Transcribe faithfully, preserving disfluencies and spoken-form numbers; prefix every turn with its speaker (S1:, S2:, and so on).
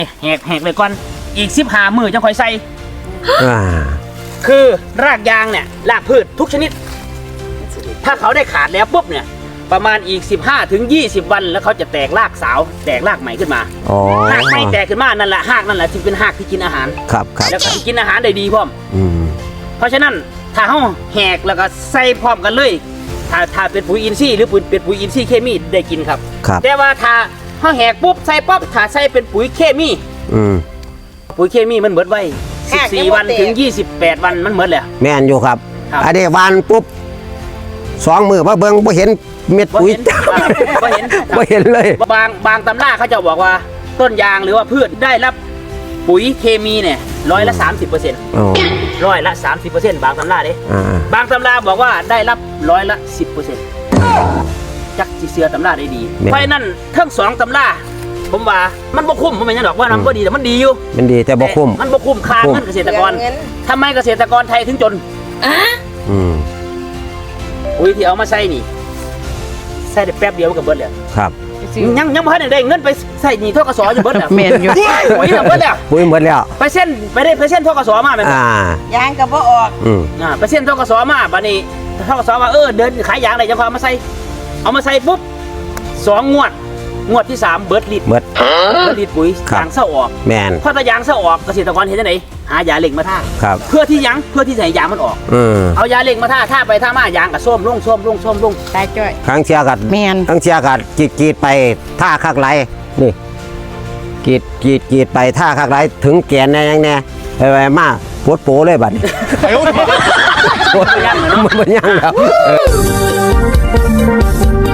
S1: แหกแหกเลยก่อนอีกสิบห้ามือจังค่อยใส่
S2: อ่า
S1: คือรากยางเนี่ยรากพืชทุกชนิด ถ้าเขาได้ขาดแล้วปุ๊บเนี่ยประมาณอีกสิบห้าถึงยี่สิบวันแล้วเขาจะแตกรากสาวแตกรากใหม่ขึ้นมา
S2: อ๋อ
S1: หากไม่แตกขึ้นมานั่นแหละหากนั่นแหละที่เป็นหากที่กินอาหาร
S2: ครับครับ
S1: แล้วก็ที่กินอาหารได้ดีพร้อม
S2: อืม
S1: เพราะฉะนั้นถ้าเขาแหกแล้วก็ใส่พร้อมกันเลย ถ้าถ้าเป็นปุ๋ยอินทรีย์หรือปุ๋ยเป็นปุ๋ยอินทรีย์เคมีได้กินครับ
S2: ครับ
S1: แต่ว่าถ้าเขาแหกปุ๊บใส่ป๊อบถ้าใส่เป็นปุ๋ยเคมี
S2: อืม
S1: ปุ๋ยเคมีมันเหมือนไว้สิบสี่วันถึงยี่สิบแปดวันมันเหมือนเลย
S2: แม่นอยู่ครับ
S1: ครับ
S2: อันนี้วานปุ๊บสองมือมาเบิ่งบ่เห็นเม็ดปุ๋ย
S1: บ่เห็น
S2: บ่เห็นเลย
S1: บางบางตำราเขาจะบอกว่าต้นยางหรือว่าพืชได้รับปุ๋ยเคมีเนี่ยร้อยละสามสิบเปอร์เซ็นต์
S2: อ๋อ
S1: ร้อยละสามสิบเปอร์เซ็นต์บางตำราเด้
S2: อ่า
S1: บางตำราบอกว่าได้รับร้อยละสิบเปอร์เซ็นต์จักจีเสือตำราได้ดีเพราะฉะนั้นทั้งสองตำราผมว่ามันบ่คุ้มผมไม่ใช่หรอกว่ามันก็ดีแต่มันดีอยู่
S2: มันดีแต่บ่คุ้ม
S1: มันบ่คุ้มค่าเงินเกษตรกรทำไมเกษตรกรไทยถึงจน
S2: อืม
S1: ปุ๋ยที่เอามาใส่นี่ใส่ได้แป๊บเดียวมันก็เบิดแล้ว
S2: ครับ
S1: ยังยังบ่ทันได้เงินไปใส่หนี้ทกสอยู่เบิดแล้ว
S3: แม่นอยู่
S1: ปุ๋ยน่ะเบิดแล้ว
S2: ปุ๋ยหมดแล้ว
S1: ไปเส้นไปได้ไปเส้นทกสมาแม่นบ่
S2: อ่าย
S3: างก็บ่ออก
S2: อืม
S1: อ่าไปเส้นทกสมาบัดนี้ทกสว่าเออเดินขายยางได้จังพอเอามาใส่เอามาใส่ปุ๊บสองงวดงวดที่สามเบิดลิตร
S2: หมด
S1: เบิดลิตรปุ๋ย
S2: ครับ
S1: ยางเศร้าออก
S2: แม่น
S1: พอตายางเศร้าออกเกษตรกรเห็นจังไดหายาเหล็กมาท่า
S2: ครับ
S1: เพื่อที่หยังเพื่อที่จะให้ยางมันออก
S2: อืม
S1: เอายาเหล็กมาท่าท่าไปท่ามายางก็ส้มลงส้มลงส้มลง
S3: ตายจ้อย
S2: ครั้งเชียกัด
S3: แม่น
S2: ครั้งเชียกัดกรีดกรีดไปท่าคักไหลนี่กรีดกรีดกรีดไปท่าคักไหลถึงแกนแน่ยังแน่ไปไปมาปวดโปเลยบัดนี้ปวด
S1: ยังเหรอเนาะ
S2: มันบ่ยังแล้ว